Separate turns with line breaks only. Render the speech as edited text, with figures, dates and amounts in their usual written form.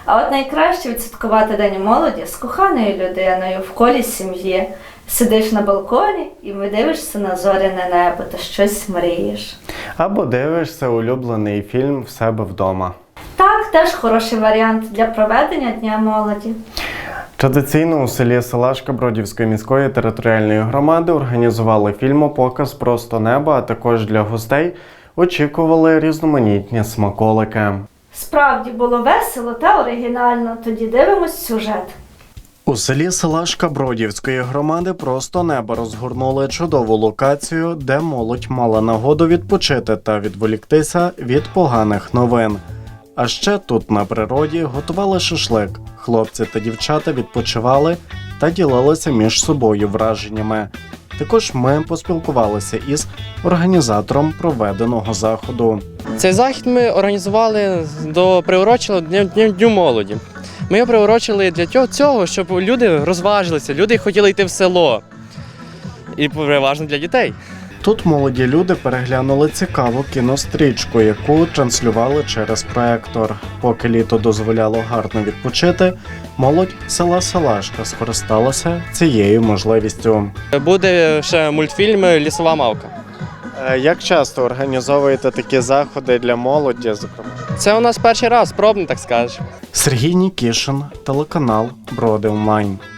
А от найкраще відсвяткувати День молоді з коханою людиною в колі сім'ї. Сидиш на балконі і дивишся на зоряне небо та щось мрієш.
Або дивишся улюблений фільм в себе вдома.
Так, теж хороший варіант для проведення Дня молоді.
Традиційно у селі Салашка Бродівської міської територіальної громади організували фільмопоказ «Просто небо», а також для гостей очікували різноманітні смаколики.
Справді було весело та оригінально, тоді дивимось сюжет.
У селі Салашка Бродівської громади «Просто небо» розгорнули чудову локацію, де молодь мала нагоду відпочити та відволіктися від поганих новин. А ще тут на природі готували шашлик. Хлопці та дівчата відпочивали та ділилися між собою враженнями. Також ми поспілкувалися із організатором проведеного заходу.
Цей захід ми організували приурочили Дню молоді. Ми його приурочили для цього, щоб люди розважилися, люди хотіли йти в село. І переважно для дітей.
Тут молоді люди переглянули цікаву кінострічку, яку транслювали через проектор. Поки літо дозволяло гарно відпочити, молодь села Салашка скористалася цією можливістю.
Буде ще мультфільм «Лісова мавка».
Як часто організовуєте такі заходи для молоді, зокрема?
Це у нас перший раз, пробний, так скажеш.
Сергій Нікішин, телеканал Броди Онлайн.